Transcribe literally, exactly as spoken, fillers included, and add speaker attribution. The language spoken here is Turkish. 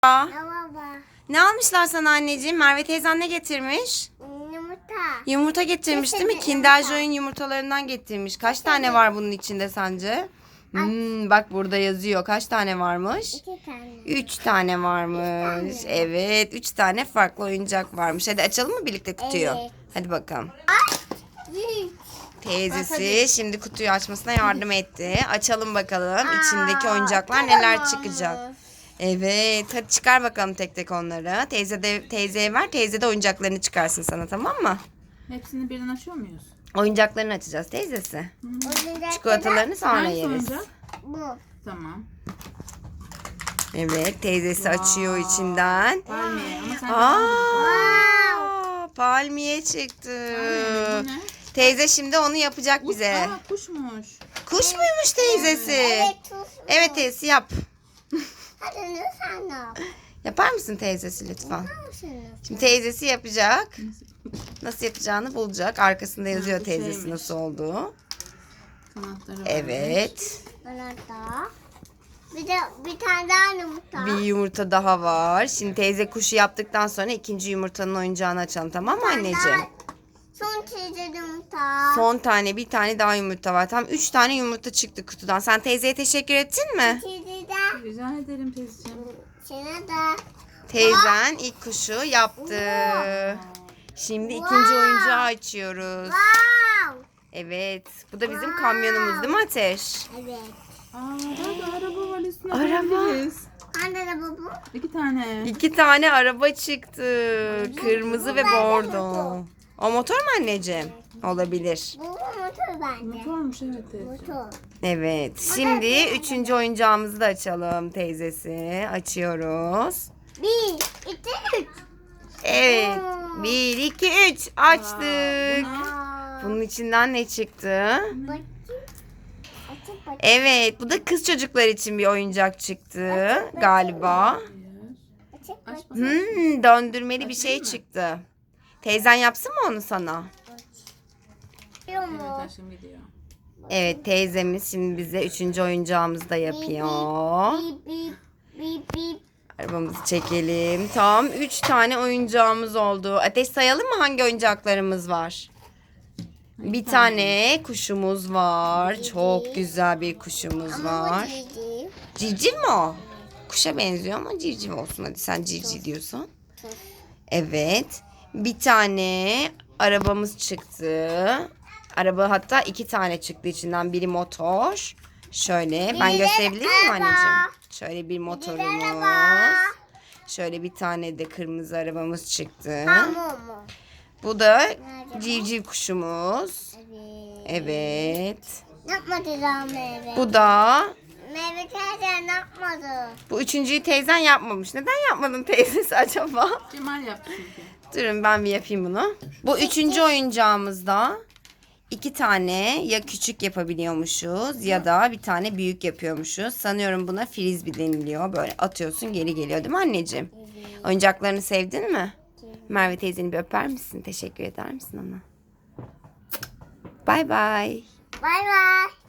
Speaker 1: Merhaba.
Speaker 2: Ne almışlar sana anneciğim? Merve teyzen ne getirmiş?
Speaker 1: Yumurta.
Speaker 2: Yumurta getirmiş değil mi?
Speaker 1: Getirdi,
Speaker 2: Kinder
Speaker 1: yumurta.
Speaker 2: Joy'un yumurtalarından getirmiş. Kaç tane var bunun içinde sence? Hmm, bak burada yazıyor. Kaç tane varmış?
Speaker 1: İki tane.
Speaker 2: Üç tane varmış.
Speaker 1: Üç tane.
Speaker 2: Evet. Üç tane farklı oyuncak varmış. Hadi açalım mı birlikte kutuyu?
Speaker 1: Evet.
Speaker 2: Hadi bakalım.
Speaker 1: Büyük.
Speaker 2: Teyzesi şimdi kutuyu açmasına yardım etti. Açalım bakalım içindeki
Speaker 1: Aa,
Speaker 2: oyuncaklar neler
Speaker 1: tamam.
Speaker 2: çıkacak. Evet, hadi çıkar bakalım tek tek onları. Teyze de teyzeye ver, teyze de oyuncaklarını çıkarsın sana, tamam mı?
Speaker 3: Hepsini birden açıyor muyuz?
Speaker 2: Oyuncaklarını açacağız teyzesi.
Speaker 1: Oyuncak
Speaker 2: Çikolatalarını sonra
Speaker 3: Hangisi
Speaker 2: yeriz.
Speaker 3: oyuncak?
Speaker 1: Bu.
Speaker 3: Tamam.
Speaker 2: Evet, teyzesi açıyor içinden.
Speaker 3: Palmiye. Ama sen
Speaker 2: Aa, palmiye çıktı.
Speaker 3: Bu ne?
Speaker 2: Teyze şimdi onu yapacak bize.
Speaker 3: Aa, kuşmuş.
Speaker 2: Kuş muymuş teyzesi?
Speaker 1: Evet, tuz.
Speaker 2: Evet teyzesi yap.
Speaker 1: Hadi ne sen yap?
Speaker 2: Yapar mısın teyzesi lütfen?
Speaker 1: Nasılsınız?
Speaker 2: Şimdi teyzesi yapacak. Nasıl yapacağını bulacak. Arkasında yazıyor
Speaker 3: bu
Speaker 2: teyzesi
Speaker 3: şeymiş.
Speaker 2: nasıl olduğu.
Speaker 3: Kanatları var.
Speaker 2: Evet.
Speaker 1: Bana da. Bir de bir tane daha yumurta.
Speaker 2: Bir yumurta daha var. Şimdi teyze kuşu yaptıktan sonra ikinci yumurtanın oyuncağını açalım, tamam mı anneciğim?
Speaker 1: Son çizgi yumurta.
Speaker 2: Son tane bir tane daha yumurta var. Tam üç tane yumurta çıktı kutudan. Sen teyzeye teşekkür ettin mi?
Speaker 1: Çizgi de.
Speaker 3: Rica ederim teyzeciğim.
Speaker 1: Sana da.
Speaker 2: Teyzen ilk kuşu yaptı. Şimdi ikinci oyuncağı açıyoruz.
Speaker 1: Wow.
Speaker 2: Evet. Bu da bizim kamyonumuz değil mi Ateş?
Speaker 1: Evet.
Speaker 3: Aa, bak araba var üstüne.
Speaker 2: Araba.
Speaker 3: koyabiliriz.
Speaker 1: Anne de bu bu.
Speaker 3: İki tane.
Speaker 2: İki tane araba çıktı. Kırmızı ve
Speaker 1: Bu bence
Speaker 2: bordo.
Speaker 1: motor.
Speaker 2: O motor mu anneciğim? Olabilir.
Speaker 1: Bu motor bence.
Speaker 3: Motormuş evet teyze.
Speaker 1: Motor.
Speaker 2: Evet. Şimdi üçüncü oyuncağımızı da açalım teyzesi. Açıyoruz.
Speaker 1: Bir, iki, üç.
Speaker 2: Evet. Bir, iki, üç. Açtık.
Speaker 1: Aa,
Speaker 2: Bunun içinden ne çıktı?
Speaker 1: bakayım. Açıp bakayım.
Speaker 2: Evet. Bu da kız çocuklar için bir oyuncak çıktı galiba.
Speaker 1: Açıp
Speaker 3: Aç
Speaker 1: bakayım.
Speaker 3: bakalım.
Speaker 2: Hmm, döndürmeli bir şey çıktı. Teyzen yapsın mı onu sana?
Speaker 1: Biliyor
Speaker 3: Evet
Speaker 1: mu?
Speaker 3: aşkım gidiyor.
Speaker 2: Evet, teyzemiz şimdi bize üçüncü oyuncağımızı da yapıyor.
Speaker 1: Bip bip bip bip.
Speaker 2: Arabamızı çekelim. Tam üç tane oyuncağımız oldu. Ateş, sayalım mı hangi oyuncaklarımız var? Bir tane kuşumuz var. Çok güzel bir kuşumuz
Speaker 1: Ama bu
Speaker 2: var.
Speaker 1: cici.
Speaker 2: Civciv mi o? Kuşa benziyor ama civciv olsun. Hadi sen civciv diyorsun. Evet. Bir tane arabamız çıktı. Araba hatta iki tane çıktı içinden. Biri motor. Şöyle ben
Speaker 1: Biri de
Speaker 2: gösterebilir miyim
Speaker 1: araba.
Speaker 2: anneciğim? Şöyle bir
Speaker 1: Bir de
Speaker 2: motorumuz.
Speaker 1: araba.
Speaker 2: Şöyle bir tane de kırmızı arabamız çıktı.
Speaker 1: Hamur mu?
Speaker 2: Bu da
Speaker 1: Nerede?
Speaker 2: civciv kuşumuz.
Speaker 1: Evet.
Speaker 2: Evet.
Speaker 1: Ne yapmadı daha meyve?
Speaker 2: Bu da
Speaker 1: Meyve teyze ne yapmadı?
Speaker 2: bu üçüncüyü teyzen yapmamış. Neden yapmadın teyzesi acaba?
Speaker 3: Cemal yaptı çünkü.
Speaker 2: Durun ben bir yapayım bunu. Bu üçüncü oyuncağımızda iki tane ya küçük yapabiliyormuşuz ya da bir tane büyük yapıyormuşuz. Sanıyorum buna frisbee deniliyor. Böyle atıyorsun geri geliyor değil mi anneciğim? Oyuncaklarını sevdin mi? Merve teyzeni bir öper misin? Teşekkür eder misin ona? Bay bay.
Speaker 1: Bay bay.